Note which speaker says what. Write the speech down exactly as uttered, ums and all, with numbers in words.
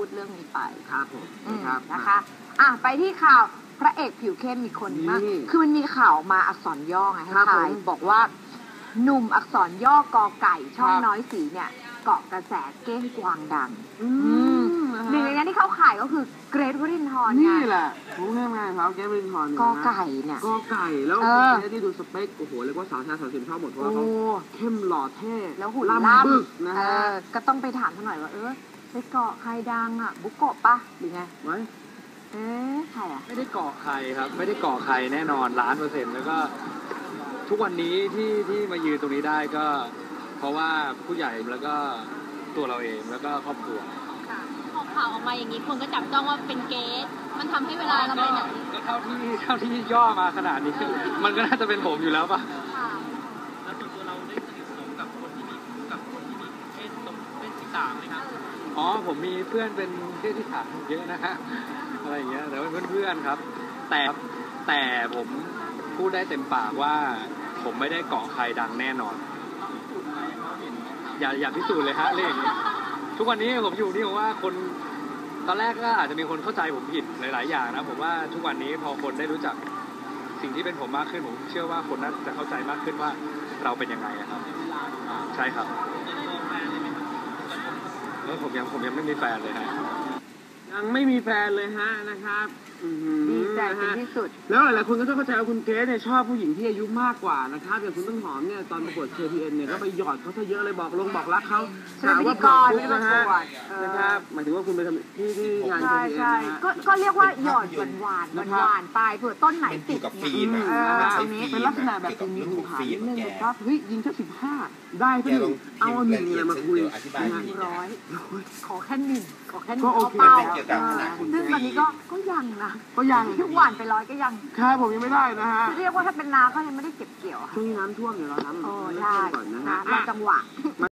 Speaker 1: ดเรื่องนี้ไป
Speaker 2: ครับผมนะครับ
Speaker 1: นะคะอ่ะไปที่ข่าวพระเอกผิวเข้มมีคนมากคือมันมีข่าวมาอักษรย่อไงให้ทายบอกว่าหนุ่มอักษรย่อกอไก่ช่องน้อยสีเนี่ยเกาะกระแสเก้งกวางดังหนึ่งในนั้นที่เขาขายก็คือเกรทวรินทร์
Speaker 2: นี่แหละผมแค่ไงครับเกรทวรินทร์
Speaker 1: กอไก่เนี่ย
Speaker 2: กอไก่แล้วเกรทที่ดูสเปคโอ้โหเรียกว่าสาวชายสาวสิบชอบหมดเพราะว่าเขาเข้มหล่อเท่
Speaker 1: แล้วหุ่นล่ำบึกนะฮะก็ต้องไปถามเขาหน่อยว่าเออไปเกาะใครดังอ่ะบุกโกะปะหรือไง
Speaker 2: ไว้
Speaker 1: เอ๊ะใครอ่ะ
Speaker 3: ไม่ได้เกาะใครครับไม่ได้เกาะใครแน่นอนล้านเปอร์เซ็นต์แล้วก็ทุกวันนี้ที่ที่มายืนตรงนี้ได้ก็เพราะว่าผู้ใหญ่แล้วก็ตัวเราเองแล้วก็ครอบครัว
Speaker 4: พอข่าวออกมาอย่างนี้คนก็จับจ้องว่าเป็นเกสมันทำให้เวลาเราไปไหน
Speaker 3: ก็เท่าที่เท่าที่ย่อมาขนาดนี้มันก็น่าจะเป็นผมอยู่แล้วป่ะ
Speaker 5: แล้วส่วนตัวเราได้สนิทสนมกับคนที่มีกับคนที่มีเพศตรงเพศที่สามไหมครับ
Speaker 3: อ๋อผมมีเพื่อนเป็นเพศที่สามเยอะนะฮะอะไรอย่างเงี้ยแต่ว่าเพื่อนๆครับแต่แต่ผมพูดได้เต็มปากว่าผมไม่ได้เกาะใครดังแน่นอนอย่าอย่าพิสูจน์เลยฮะเรื่องทุกวันนี้ผมอยู่นี่ผมว่าคนตอนแรกก็อาจจะมีคนเข้าใจผมผิดหลายๆอย่างนะผมว่าทุกวันนี้พอคนได้รู้จักสิ่งที่เป็นผมมากขึ้นผมเชื่อว่าคนน่าจะเข้าใจมากขึ้นว่าเราเป็นยังไงครับใช่ครับแล้วผมยังผมยังไม่มีแฟนเลยฮะ
Speaker 2: ยังไม่มีแฟนเลยฮะนะครับ
Speaker 1: ดีใจเป็นที่สุด
Speaker 2: แล้วหลายๆคนก็ต้องเข้าใจว่าคุณเกรซเนี่ยชอบผู้หญิงที่อายุมากกว่านะครับอย่างคุณต้นหอมเนี่ยตอนประกวด เค พี เอ็น เนี่ยก็ไปหยอดเขาซะเยอะเลยบอกลงบอกรักเขา
Speaker 1: ถามว่า
Speaker 2: ก่อน
Speaker 1: นะฮะ
Speaker 2: นะครับหมายถึงว่าคุณไปทำที่ที่งาน เค พี เอ็น
Speaker 1: นะฮะก็เรียกว่าหยอดหวานหวานหวานไปเผื่อต้นไหนติด
Speaker 6: กับฟิล์ม
Speaker 2: อันนี้เป็นลักษณะแบบมีหูขานิดนึงนะครับเฮ้ยยิงแค่สิบห้าได้เพื่อนเอาหนึ่งอะไรมาคุย
Speaker 1: ร้อยขอแค่หนึ่งขอแค่หนึ่ง
Speaker 2: ก็โอเค
Speaker 1: ซึ่งตอนนี้ก็ก็ยังนะ
Speaker 2: ก็ยัง
Speaker 1: ทุกหวานไปร้อยก็ยัง
Speaker 2: ครับผมยังไม่ได้นะฮะ
Speaker 1: เรียกว่าถ้าเป็นนาเขายังไม่ได้เก็บเกี่ยว
Speaker 2: ช่วงน้ำท่วมเดี๋ยวเราน้ำ
Speaker 1: โอ้ได้นะรอจังหวะ